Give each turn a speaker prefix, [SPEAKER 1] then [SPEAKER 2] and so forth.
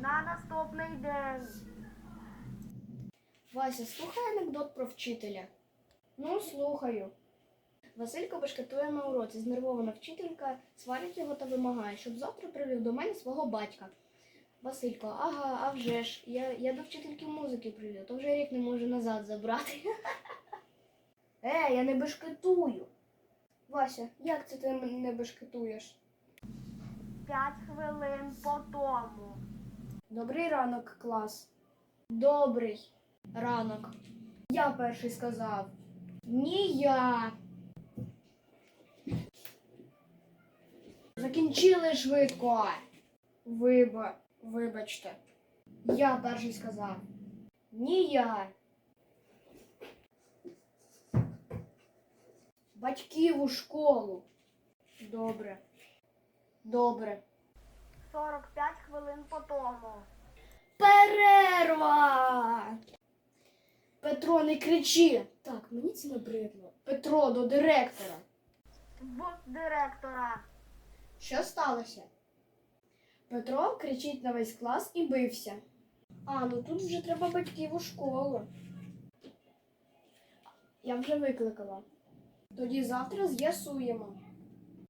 [SPEAKER 1] на наступний день.
[SPEAKER 2] Вася, слухай анекдот про вчителя. Ну, слухаю. Василько бешкетує на уроці. Знервована вчителька сварить його та вимагає, щоб завтра привів до мене свого батька. Василько, ага, а вже ж, я до вчительки музики привів, то вже рік не можу назад забрати. Я не бешкетую. Вася, як це ти не бешкетуєш?
[SPEAKER 1] 5 хвилин по тому.
[SPEAKER 2] Добрий ранок, клас. Добрий ранок. Я перший сказав. Ні я. Закінчили швидко. Вибачте. Я перший сказав. Ні я. Батьків у школу. Добре.
[SPEAKER 1] 45 хвилин по тому.
[SPEAKER 2] Перерва! Петро, не кричи. Так, мені це набридло. Петро, до директора.
[SPEAKER 1] В директора.
[SPEAKER 2] Що сталося? Петро кричить на весь клас і бився. Ну тут вже треба батьків у школу. Я вже викликала. Тоді завтра з'ясуємо.